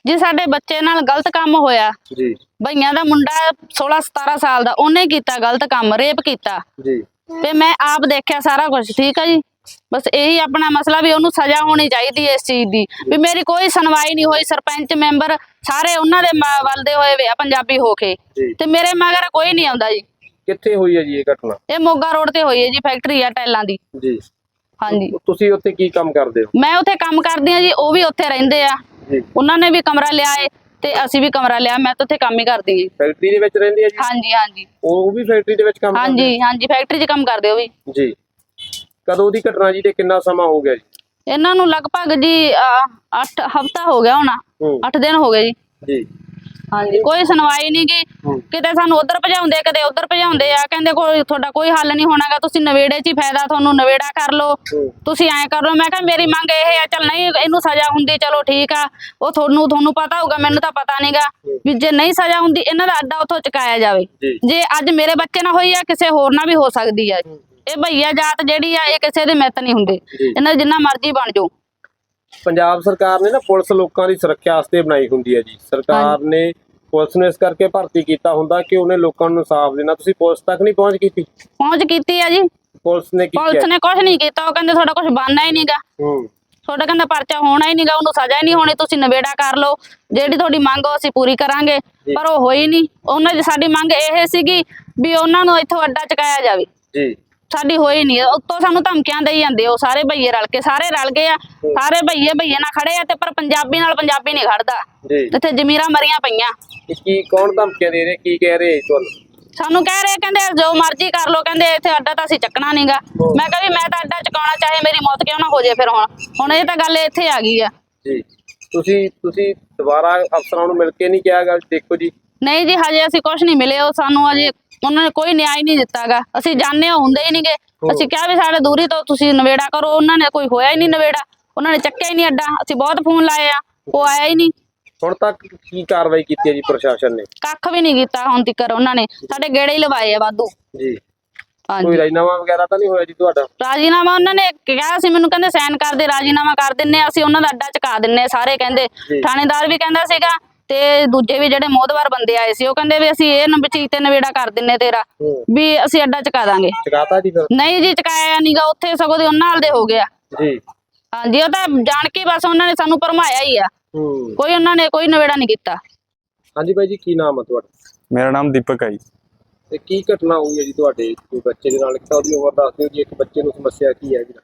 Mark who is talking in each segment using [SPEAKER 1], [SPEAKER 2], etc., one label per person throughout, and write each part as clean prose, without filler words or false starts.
[SPEAKER 1] जी साडे बच्चे नाल गलत काम होया
[SPEAKER 2] जी
[SPEAKER 1] भईया दा मुंडा 16-17 साल दा ओने कीता गलत काम रेप कीता
[SPEAKER 2] जी
[SPEAKER 1] ते मैं आप देखिया सारा कुछ ठीक है जी बस यही अपना मसला भी ओनू सजा होनी चाहिए इस चीज की भी मेरी कोई सुनवाई नहीं हुई सरपंच मैंबर सारे उन्होंने वलदे हुए वे पंजाबी होके ते मेरे मगर कोई नहीं आंदा जी
[SPEAKER 2] कित्थे हुई है जी ये घटना
[SPEAKER 1] ये मोगा रोड ते हुई है जी फैक्ट्री है टाइलां दी
[SPEAKER 2] जी
[SPEAKER 1] हाँ जी
[SPEAKER 2] तुसी उत्थे की काम करदे हो
[SPEAKER 1] मैं उत्थे काम करदी हां जी ओ भी उत्थे रहिंदे आ
[SPEAKER 2] जी
[SPEAKER 1] उन्होंने भी कमरा लिया है ते असी भी कमरा लिया मैं तो उत्थे काम ही करदी हां
[SPEAKER 2] फैक्ट्री दे विच रहिंदे आ जी
[SPEAKER 1] हाँ जी हाँ जी
[SPEAKER 2] ਉਹ ਵੀ ਫੈਕਟਰੀ ਦੇ ਵਿੱਚ ਕੰਮ
[SPEAKER 1] हाँ
[SPEAKER 2] ਕਰਦੇ
[SPEAKER 1] जी फैक्ट्री च काम करदे हो भी
[SPEAKER 2] ਜੀ ਕਦੋਂ ਦੀ ਘਟਨਾ ਜੀ ਤੇ ਕਿੰਨਾ ਸਮਾਂ ਹੋ ਗਿਆ ਜੀ
[SPEAKER 1] इन्हां नूं लगभग जी 8 हफ्ता हो गया होना
[SPEAKER 2] ਹੂੰ
[SPEAKER 1] 8 दिन हो गए जी
[SPEAKER 2] ਜੀ
[SPEAKER 1] हाँ जी कोई सुनवाई नहीं की किते सानू उधर भजाउंदे कदे उधर भजाउंदे आ कहंदे कोई ਤੁਹਾਡਾ ਕੋਈ हल नहीं होणागा तुसी नवेड़े च ही फायदा ਤੁਹਾਨੂੰ नवेड़ा कर लो तुसी ऐ कर लो मैं कहा मेरी मंग ਇਹ है चल नहीं ਇਹਨੂੰ सजा ਹੁੰਦੀ चलो ठीक आ ਉਹ ਤੁਹਾਨੂੰ पता होगा ਮੈਨੂੰ ਤਾਂ पता नहींगा ਵੀ ਜੇ ਨਹੀਂ ਸਜ਼ਾ ਹੁੰਦੀ ਇਹਨਾਂ ਦਾ ਅੱਡਾ ਉੱਥੋਂ ਚੁਕਾਇਆ ਜਾਵੇ ਜੇ ਅੱਜ ਮੇਰੇ ਬੱਚੇ ਨਾਲ ਹੋਈ ਆ ਕਿਸੇ ਹੋਰ ਨਾਲ ਵੀ ਹੋ ਸਕਦੀ ਆ ਇਹ ਭਈਆ ਜਾਤ ਜਿਹੜੀ ਆ ਇਹ ਕਿਸੇ ਦੇ ਮਿੱਤ ਨਹੀਂ ਹੁੰਦੇ ਇਹਨਾਂ ਦੇ ਜਿੰਨਾ ਮਰਜ਼ੀ ਬਣ ਜਾਓ
[SPEAKER 2] ਪੰਜਾਬ ਸਰਕਾਰ ਨੇ ਨਾ ਪੁਲਿਸ ਲੋਕਾਂ ਦੀ ਸੁਰੱਖਿਆ ਵਾਸਤੇ ਬਣਾਈ ਹੁੰਦੀ ਹੈ ਜੀ ਸਰਕਾਰ ਨੇ ਪੁਲਿਸ ਨੂੰ ਇਸ ਕਰਕੇ ਭਰਤੀ ਕੀਤਾ ਹੁੰਦਾ ਕਿ ਉਹਨੇ ਲੋਕਾਂ ਨੂੰ ਇਨਸਾਫ ਦੇਣਾ ਤੁਸੀਂ ਪੁਲਿਸ ਤੱਕ ਨਹੀਂ ਪਹੁੰਚ ਕੀਤੀ
[SPEAKER 1] ਆ ਜੀ
[SPEAKER 2] ਪੁਲਿਸ ਨੇ
[SPEAKER 1] ਕੁਝ ਨਹੀਂ ਕੀਤਾ ਉਹ ਕਹਿੰਦੇ ਤੁਹਾਡਾ ਕੁਝ ਬਣਨਾ ਹੀ ਨਹੀਂਗਾ ਤੁਹਾਡਾ ਕਹਿੰਦਾ ਪਰਚਾ ਹੋਣਾ ਹੀ ਨਹੀਂਗਾ ਉਹਨੂੰ ਸਜ਼ਾ ਹੀ ਨਹੀਂ ਹੋਣੀ ਤੁਸੀਂ ਨਵੇੜਾ ਕਰ ਲਓ ਜਿਹੜੀ ਤੁਹਾਡੀ ਮੰਗ ਉਹ ਅਸੀਂ ਪੂਰੀ ਕਰਾਂਗੇ ਪਰ ਉਹ ਹੋਈ ਨਹੀਂ ਉਹਨਾਂ ਦੀ ਸਾਡੀ ਮੰਗ ਇਹ ਸੀਗੀ ਵੀ ਉਹਨਾਂ ਨੂੰ ਇੱਥੋਂ ਅੱਡਾ ਚੁਕਾਇਆ ਜਾਵੇ ਜੀ ਸਾਡੀ ਹੋਈ ਨਹੀਂ ਉੱਤੋਂ ਸਾਨੂੰ ਧਮਕੀਆਂ ਦੇਈ ਜਾਂਦੇ ਉਹ ਸਾਰੇ ਭਈਏ ਰਲ ਕੇ ਸਾਰੇ ਰਲ ਗਏ ਆ ਸਾਰੇ ਭਈਏ ਨਾਲ ਖੜੇ ਆ ਤੇ ਪਰ ਪੰਜਾਬੀ ਨਾਲ ਪੰਜਾਬੀ ਨਹੀਂ ਖੜਦਾ ਇੱਥੇ ਜ਼ਮੀਰਾਂ ਮਰੀਆਂ ਪਈਆਂ
[SPEAKER 2] ਕੀ ਕੌਣ ਧਮਕੀਆਂ ਦੇ ਰਹੇ ਕੀ ਕਹਿ ਰਹੇ ਤੁਹਾਨੂੰ
[SPEAKER 1] ਸਾਨੂੰ ਕਹਿ ਰਹੇ ਕਹਿੰਦੇ ਜੋ ਮਰਜ਼ੀ ਕਰ ਲੋ ਕਹਿੰਦੇ ਇੱਥੇ ਅੱਡਾ ਤਾਂ ਅਸੀਂ ਚੱਕਣਾ ਨਹੀਂਗਾ ਮੈਂ ਕਿਹਾ ਵੀ ਮੈਂ ਤਾਂ ਅੱਡਾ ਚੁਕਾਉਣਾ ਚਾਹੇ ਮੇਰੀ ਮੌਤ ਕਿਉਂ ਨਾ ਹੋ ਜੇ ਫਿਰ ਹੁਣ ਇਹ ਤਾਂ ਗੱਲ ਇੱਥੇ ਆ ਗਈ ਆ
[SPEAKER 2] ਜੀ ਤੁਸੀਂ ਦੁਬਾਰਾ ਅਫਸਰਾਂ ਨੂੰ ਮਿਲ ਕੇ ਨਹੀਂ ਕਿਹਾ ਗੱਲ ਦੇਖੋ ਜੀ
[SPEAKER 1] ਨਹੀਂ ਜੀ ਹਜੇ ਅਸੀਂ ਕੁਝ ਨਹੀਂ ਮਿਲੇ ਉਹ ਸਾਨੂੰ ਅਜੇ ਉਹਨਾਂ ਨੇ ਕੋਈ ਨਿਆਂ ਨਹੀਂ ਦਿੱਤਾਗਾ ਅਸੀਂ ਜਾਣਦੇ ਹੁੰਦੇ ਹੀ ਨਹੀਂਗੇ ਅਸੀਂ ਕਿਹਾ ਵੀ ਸਾਡੇ ਦੂਰੀ ਤੋਂ ਤੁਸੀਂ ਨਵੇੜਾ ਕਰੋ ਉਹਨਾਂ ਨੇ ਕੋਈ ਹੋਇਆ ਹੀ ਨਹੀਂ ਨਵੇੜਾ ਉਹਨਾਂ ਨੇ ਚੱਕਿਆ ਹੀ ਨਹੀਂ ਅੱਡਾ ਅਸੀਂ ਬਹੁਤ ਫੋਨ ਲਾਏ ਆ ਉਹ ਆਇਆ ਹੀ ਨਹੀਂ
[SPEAKER 2] ਹੁਣ ਤੱਕ ਕੀ ਕਾਰਵਾਈ ਕੀਤੀ ਹੈ ਜੀ ਪ੍ਰਸ਼ਾਸਨ ਨੇ
[SPEAKER 1] ਕੱਖ ਵੀ ਨਹੀਂ ਕੀਤਾ ਹੁਣ ਤੱਕ ਉਹਨਾਂ ਨੇ ਸਾਡੇ ਗੇੜੇ ਹੀ ਲਵਾਏ ਆ ਵਾਧੂ
[SPEAKER 2] ਜੀ ਕੋਈ ਰਾਜੀਨਾਮਾ ਵਗੈਰਾ ਤਾਂ ਨਹੀਂ ਹੋਇਆ ਜੀ ਤੁਹਾਡਾ
[SPEAKER 1] ਰਾਜੀਨਾਮਾ ਉਹਨਾਂ ਨੇ ਕਿਹਾ ਸੀ ਮੈਨੂੰ ਕਹਿੰਦੇ ਸਾਈਨ ਕਰ ਦੇ ਰਾਜੀਨਾਮਾ ਕਰ ਦਿੰਨੇ ਅਸੀਂ ਉਹਨਾਂ ਦਾ ਅੱਡਾ ਚੁਕਾ ਦਿੰਨੇ ਸਾਰੇ ਕਹਿੰਦੇ ਥਾਣੇਦਾਰ ਵੀ ਕਹਿੰਦਾ ਸੀਗਾ ਤੇ ਦੂਜੇ ਵੀ ਜਿਹੜੇ ਮੋਹਦਵਾਰ ਬੰਦੇ ਆਏ ਸੀ ਉਹ ਕਹਿੰਦੇ ਵੀ ਅਸੀਂ ਇਹ ਚੀਜ਼ ਤੇ ਨਵੇੜਾ ਕਰ ਦਿੰਨੇ ਤੇਰਾ ਵੀ ਅਸੀਂ ਅੱਡਾ ਚੁਕਾ ਦਾਂਗੇ
[SPEAKER 2] ਚੁਕਾਤਾ ਜੀ ਫਿਰ ਨਹੀਂ
[SPEAKER 1] ਜੀ ਚੁਕਾਇਆ ਨਹੀਂਗਾ ਉੱਥੇ ਸਗੋਂ ਦੇ ਉਹਨਾਂ ਨਾਲ ਦੇ ਹੋ ਗਿਆ
[SPEAKER 2] ਜੀ
[SPEAKER 1] ਹਾਂਜੀ ਉਹ ਤਾਂ ਜਾਣ ਕੇ ਬਸ ਉਹਨਾਂ ਨੇ ਸਾਨੂੰ ਭਰਮਾਇਆ ਹੀ ਆ ਕੋਈ ਉਹਨਾਂ ਨੇ ਕੋਈ ਨਵੇੜਾ ਨਹੀਂ ਕੀਤਾ
[SPEAKER 2] ਹਾਂਜੀ ਬਾਈ ਜੀ ਕੀ ਨਾਮ ਹੈ ਤੁਹਾਡਾ
[SPEAKER 3] ਮੇਰਾ ਨਾਮ ਦੀਪਕ ਹੈ ਜੀ
[SPEAKER 2] ਤੇ ਕੀ ਘਟਨਾ ਹੋਈ ਹੈ ਜੀ ਤੁਹਾਡੇ ਬੱਚੇ ਦੇ ਨਾਲ ਉਹਦੀ ਉਮਰ ਦੱਸ ਦਿਓ ਜੀ ਇੱਕ ਬੱਚੇ ਨੂੰ ਸਮੱਸਿਆ ਕੀ ਹੈ ਜੀ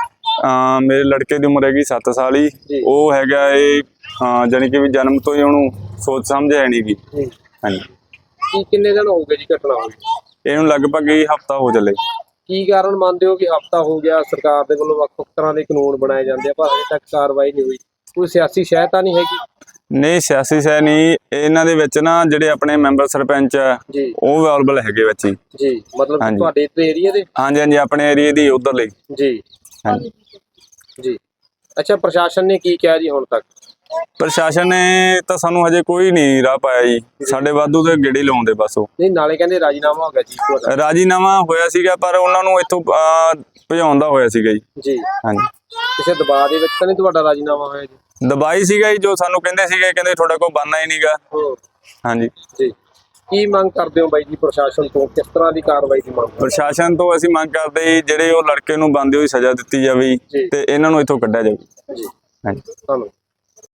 [SPEAKER 3] ਮੇਰੇ ਲੜਕੇ ਦੀ ਉਮਰ ਹੈਗੀ 7 ਸਾਲ ਹੀ ਉਹ ਹੈਗਾ ਇਹ ਜਾਨੀ ਕਿ ਵੀ ਜਨਮ ਤੋਂ ਹੀ ਉਹਨੂੰ ਸੋਚ ਸਮਝ ਹੈ ਨਹੀਂ ਗੀ ਹਾਂਜੀ
[SPEAKER 2] ਕੀ ਕਿੰਨੇ ਦਿਨ ਹੋ ਗਏ ਜੀ ਘਟਨਾ ਹੋਈ
[SPEAKER 3] ਇਹਨੂੰ ਲਗਭਗ ਹੀ ਹਫਤਾ ਹੋ ਚੱਲੇ
[SPEAKER 2] ਕੀ ਕਾਰਨ ਮੰਨਦੇ ਹੋ ਕਿ ਹਫਤਾ ਹੋ ਗਿਆ ਸਰਕਾਰ ਦੇ ਵੱਲੋਂ ਵੱਖ-ਵੱਖ ਤਰ੍ਹਾਂ ਦੇ ਕਾਨੂੰਨ ਬਣਾਏ ਜਾਂਦੇ ਆ ਪਰ ਅਜੇ ਤੱਕ ਕਾਰਵਾਈ ਨਹੀਂ ਹੋਈ ਕੋਈ ਸਿਆਸੀ ਸ਼ਹਿ ਤਾਂ ਨਹੀਂ ਹੈਗੀ
[SPEAKER 3] ਨਹੀਂ ਸਿਆਸੀ ਸ਼ਹਿ ਨਹੀਂ ਇਹਨਾਂ ਦੇ ਵਿੱਚ ਨਾ ਜਿਹੜੇ ਆਪਣੇ ਮੈਂਬਰ ਸਰਪੰਚ ਆ ਉਹ ਅਵੇਲੇਬਲ ਹੈਗੇ ਵਿੱਚ
[SPEAKER 2] ਜੀ ਮਤਲਬ ਤੁਹਾਡੇ ਇੱਥੇ ਏਰੀਆ ਦੇ
[SPEAKER 3] ਹਾਂਜੀ ਹਾਂਜੀ ਆਪਣੇ ਏਰੀਆ ਦੀ ਉਧਰ ਲਈ
[SPEAKER 2] ਜੀ
[SPEAKER 3] ਹਾਂਜੀ
[SPEAKER 2] ਜੀ ਅੱਛਾ ਪ੍ਰਸ਼ਾਸਨ ਨੇ ਕੀ ਕਿਹਾ ਜੀ ਹੁਣ ਤੱਕ
[SPEAKER 3] ਪ੍ਰਸ਼ਾਸਨ ਨੇ ਤਾਂ ਸਾਨੂੰ ਹਜੇ ਕੋਈ ਨਹੀਂ ਰਾਹ ਪਾਇਆ ਜੀ ਸਾਡੇ ਵਾਧੂ ਦੇ ਗੇੜੇ ਲਾਉਂਦੇ ਬਸ ਉਹ
[SPEAKER 2] ਨਹੀਂ ਨਾਲੇ ਕਹਿੰਦੇ ਰਾਜੀਨਾਮਾ ਹੋ ਗਿਆ ਜੀ
[SPEAKER 3] ਰਾਜੀਨਾਮਾ ਹੋਇਆ ਸੀਗਾ ਪਰ ਉਹਨਾਂ ਨੂੰ ਇੱਥੋਂ ਭਜਾਉਣ ਦਾ ਹੋਇਆ ਸੀਗਾ ਜੀ ਹਾਂਜੀ
[SPEAKER 2] ਕਿਸੇ ਦਬਾਅ ਦੇ ਵਿੱਚ ਤਾਂ ਨਹੀਂ ਤੁਹਾਡਾ ਰਾਜੀਨਾਮਾ ਹੋਇਆ ਜੀ
[SPEAKER 3] ਦਬਾਈ ਸੀਗਾ ਜੀ ਜੋ ਸਾਨੂੰ ਕਹਿੰਦੇ ਸੀਗੇ ਕਹਿੰਦੇ ਤੁਹਾਡਾ ਕੋਈ ਬਣਨਾ ਹੀ ਨਹੀਂਗਾ ਹਾਂਜੀ
[SPEAKER 2] ਜੀ ਕੀ ਮੰਗ ਕਰਦੇ ਹੋ ਬਾਈ ਜੀ ਪ੍ਰਸ਼ਾਸਨ ਤੋਂ ਕਿਸ ਤਰ੍ਹਾਂ ਦੀ ਕਾਰਵਾਈ ਦੀ ਮੰਗ
[SPEAKER 3] ਪ੍ਰਸ਼ਾਸਨ ਤੋਂ ਅਸੀਂ ਮੰਗ ਕਰਦੇ ਜਿਹੜੇ ਉਹ ਲੜਕੇ ਨੂੰ ਬੰਦੇ ਹੋਈ ਸਜ਼ਾ ਦਿੱਤੀ ਜਾਵੇ ਤੇ ਇਹਨਾਂ ਨੂੰ ਇੱਥੋਂ ਕੱਢਿਆ ਜਾਵੇ
[SPEAKER 2] ਜੀ
[SPEAKER 3] ਹਾਂਜੀ
[SPEAKER 2] ਧੰਨਵਾਦ।